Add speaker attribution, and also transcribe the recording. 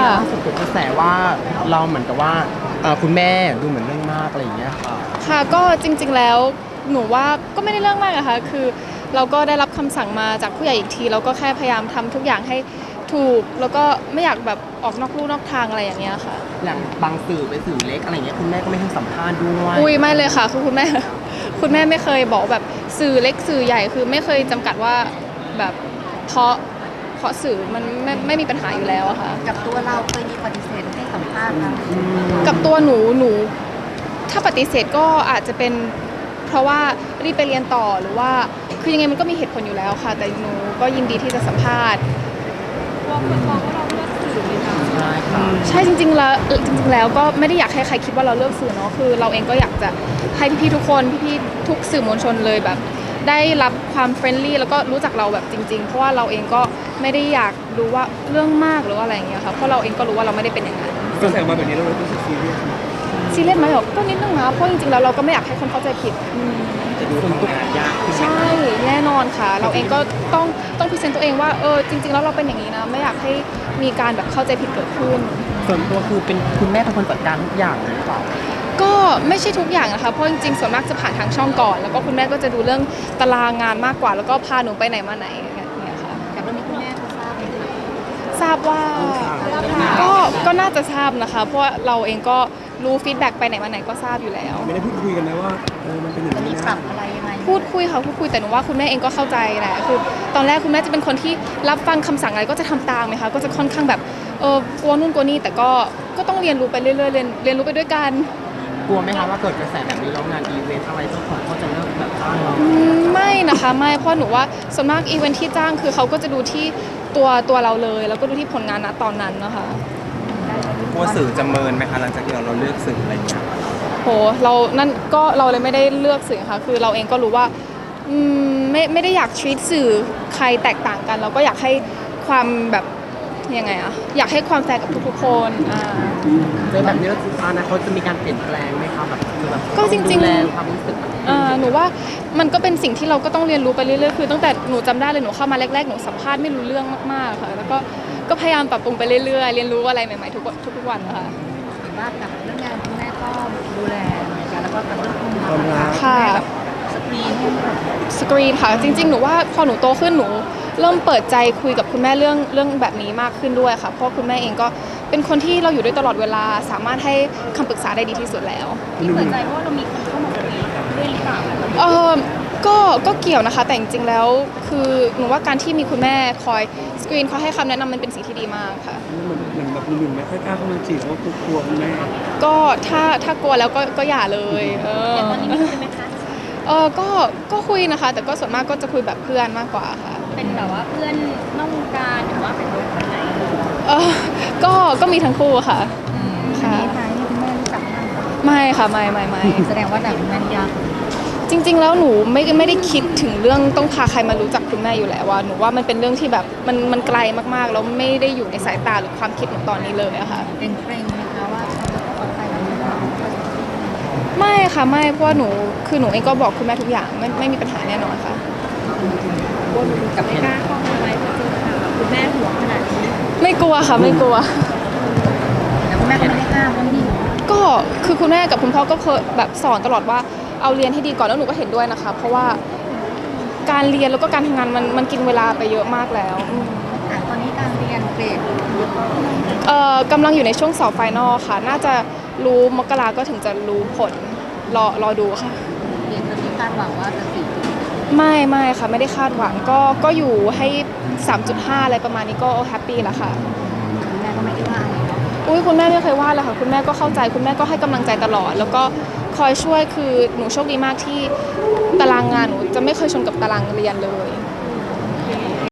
Speaker 1: ล่าสุดเกิดกระแสว่าเราเหมือนกับว่าคุณแม่ดูเหมือนเรื่องมากอะไรอย่างเงี้ยค่ะ
Speaker 2: ค่ะก็จริงๆแล้วหนูว่าก็ไม่ได้เรื่องมากอะค่ะคือเราก็ได้รับคำสั่งมาจากผู้ใหญ่อีกทีเราก็แค่พยายามทำทุกอย่างให้ถูกแล้วก็ไม่อยากแบบออกนอกลู่นอกทางอะไรอย่างเงี้ยค่ะ
Speaker 1: อย่างบางสื่อเป็นสื่อเล็กอะไรเงี้ยคุณแม่ก็ไม่ให้สัมภาษณ์ด้วย
Speaker 2: อุ้ยไม่เลยค่ะคือคุณแม่ คุณแม่ไม่เคยบอกแบบสื่อเล็กสื่อใหญ่คือไม่เคยจำกัดว่าแบบเพราะสื่อมันไม่มีปัญหาอยู่แล้วอะค่ะ
Speaker 3: กับตัวเราเคยมีปฏิเสธให้สัมภาษณ์ไหม
Speaker 2: กับตัวหนูถ้าปฏิเสธก็อาจจะเป็นเพราะว่ารีบไปเรียนต่อหรือว่าคือยังไงมันก็มีเหตุผลอยู่แล้วค่ะแต่หนูก็ยินดีที่จะสัมภาษณ์ว่าคนมองว่าเราเลือกสื่อเลยนะ
Speaker 1: ใช่ค่ะ
Speaker 2: ใช่จริงๆแล้วก็ไม่ได้อยากให้ใครคิดว่าเราเลือกสื่อเนาะคือเราเองก็อยากจะให้พี่ๆทุกคนพี่ๆทุกสื่อมวลชนเลยแบบได้รับความเฟรนลี่แล้วก็รู้จักเราแบบจริงๆเพราะว่าเราเองก็ไม่ได้อยากรู้ว่าเรื่องมากหรือว่าอะไรอย่างเงี้ยค่ะเพราะเราเองก็รู้ว่าเราไม่ได้เป็นอย่างนั้น
Speaker 4: ก็แสดงมาแบบนี้เรารู้สึกซีเรียส
Speaker 2: ซีเรียสไหมหรอก็นิดนึงนะเพราะจริงๆแล้วเราก็ไม่อยากให้คนเข้าใจผิด
Speaker 1: จะดูทำงานยากขึ้น
Speaker 2: ใช่แน่นอนค่ะเราเองก็ต้องพรีเซนต์ตัวเองว่าจริงๆแล้วเราเป็นอย่างนี้นะไม่อยากให้มีการแบบเข้าใจผิดเกิดขึ้น
Speaker 1: ส่วนตัวคือเป็นคุณแม่เป็นคนจัดการทุกอย่างหรือเปล่า
Speaker 2: ก็ไม่ใช่ทุกอย่างนะคะเพราะจริงๆส่วนมากจะผ่านทางช่องก่อนแล้วก็คุณแม่ก็จะดูเรื่องตารางงานมากกว่าแล้วก็พาหนูไปไหนมาไหนอย่างเงี้ยค่ะ
Speaker 3: กับเรื่องนี้คุณแม่เขาทราบไหมคะ
Speaker 2: ทราบว่าก็น่าจะทราบนะคะเพราะว่าเราเองก็รู้ฟีดแบ็กไปไหนมาไหนก็ทราบอยู่แล้ว
Speaker 4: ไม่ได้พูดคุยกันนะว่ามันเป็นอย่างนี้
Speaker 3: มีปรั
Speaker 4: นะ
Speaker 3: บอะไรยังไง
Speaker 2: พูดคุยค่ะพูดคุยแต่หนูว่าคุณแม่เองก็เข้าใจแหละคือตอนแรกคุณแม่จะเป็นคนที่รับฟังคำสั่งอะไรก็จะทำตามไหมคะก็จะค่อนข้างแบบกลัวนู่นกลัวนี่แต่ก็ต้องเรียนรู้ไปเรื่อยๆเรียนรู้ไปด้วยกัน
Speaker 1: กลัวไหมคะว่าเกิดกระแสแบบนี้แล้วงานอีเวนต์อะไรเจ้าของเขาจะเลิกแบบจ้างเรา
Speaker 2: ไม่นะคะไม่เพราะหนูว่าส่วนมากอีเวนท์ที่จ้างคือเขาก็จะดูที่ตัวเราเลยแล้วก็ดูที่ผลงานณตอนนั้นนะคะ
Speaker 4: กลัวสื่อจะเมินไหมคะหลังจากที่เราเลือกสื่ออะไรอย่างเงี้ย
Speaker 2: โหเราเลยไม่ได้เลือกสื่อค่ะคือเราเองก็รู้ว่าไม่ได้อยาก treat สื่อใครแตกต่างกันเราก็อยากให้ความแบบยังไงอะอยากให้ความแฟร์กับทุกๆคน
Speaker 1: ในแบบนี้อนาคตจะมีการเปลี่ยนแปลงไหมคะแบบ
Speaker 2: ก็จริง
Speaker 1: ๆความรู้สึก
Speaker 2: หนูว่ามันก็เป็นสิ่งที่เราก็ต้องเรียนรู้ไปเรื่อยๆคือตั้งแต่หนูจำได้เลยหนูเข้ามาแรกๆหนูสัมภาษณ์ไม่รู้เรื่องมากๆค่ะแล้วก็พยายามปรับปรุงไปเรื่อยๆเรียนรู้อะไรใหม่ๆทุกวันนะคะ
Speaker 3: เห็นว่ากับเรื่องงานคุณแม่ก็ดูแลเหมือนกันแล้วก็กับเรื่องความรัก
Speaker 2: ค่ะ
Speaker 3: สกรีน
Speaker 2: ค่ะจริงๆหนูว่าพอหนูโตขึ้นหนูเริ่มเปิดใจคุยกับคุณแม่เรื่องแบบนี้มากขึ้นด้วยค่ะเพราะคุณแม่เองก็เป็นคนที่เราอยู่ด้วยตลอดเวลาสามารถให้คำปรึกษาได้ดีที่สุดแล้ว
Speaker 3: ที่เปิดใจเพราะว่าเรามีคนเข้ามาคุยด้วยหรือเปล่า
Speaker 2: ก็เกี่ยวนะคะแต่จริงๆแล้วคือหนูว่าการที่มีคุณแม่คอยสกรีนเขาให้คำแนะนำมันเป็นสิ่งที่ดีมากค่ะ
Speaker 4: เหมือนแบบหนุ่มไม่ค่อยกล้าเข้ามาจีบเพราะกลัวคุณแม่
Speaker 2: ก็ถ้ากลัวแล้วก็อย่าเลย
Speaker 3: แต่ตอนนี้มีคุยไหมคะ
Speaker 2: ก็คุยนะคะแต่ก็ส่วนมากก็จะคุยแบบเพื่อนมากกว่าค่ะ
Speaker 3: เป็นแบบว่าเพื่อนนอกวงการหรือว่าเป็นคนไหน
Speaker 2: ก็มีทั้งคู่ค่ะ
Speaker 3: ค่ะนี่คุณแม่รู้จัก
Speaker 2: ไม่ค่ะไม่
Speaker 3: แสดงว่าแต่คุณแม่ยาก
Speaker 2: จริงๆแล้วหนูไม่ได้คิดถึงเรื่องต้องพาใครมารู้จักคุณแม่อยู่แล้วว่าหนูว่ามันเป็นเรื่องที่แบบมันไกลมากๆแล้วไม่ได้อยู่ในสายตาหรือความคิดหนูตอนนี้เลยอะค่ะ
Speaker 3: เกรงไหมคะว่าเขาจะต้องไปแบบนี้
Speaker 2: ไม่ค่ะไม่เพราะว่าหนูเองก็บอกคุณแม่ทุกอย่างไม่มีปัญหาแน่นอนค่ะ
Speaker 3: กับไม่กล้าเข้ามาไหมพอเจอค่ะคุณแม่ห่วงขนาดนี้
Speaker 2: ไม่กลัวค่ะไม่กลัว
Speaker 3: แต่คุณแม่ก็ไม่ได้ห้ามว่านี่
Speaker 2: ก็คือคุณแม่กับคุณพ่อก็เคยแบบสอนตลอดว่าเอาเรียนให้ดีก่อนแล้วหนูก็เห็นด้วยนะคะเพราะว่าการเรียนแล้วก็การทำงานมันกินเวลาไปเยอะมากแล้ว
Speaker 3: ตอนนี้การเรียนเกรด
Speaker 2: กำลังอยู่ในช่วงสอบไฟนอลค่ะน่าจะรู้มกราก็ถึงจะรู้ผลรอดูค่ะ
Speaker 3: เรียนจะมีคาดหวังว่าจะ
Speaker 2: ไม่ค่ะไม่ได้คาดหวังก็อยู่ให้ 3.5 อะไรประมาณนี้ก็แฮปปี้แล้วค่ะ
Speaker 3: คุณแม่ก็ไม่ได้ว่าอะไรเนาะ
Speaker 2: คุณแม่ไม่เคยว่าเลยค่ะคุณแม่ก็เข้าใจคุณแม่ก็ให้กำลังใจตลอดแล้วก็คอยช่วยคือหนูโชคดีมากที่ตารางงานหนูจะไม่เคยชนกับตารางเรียนเลย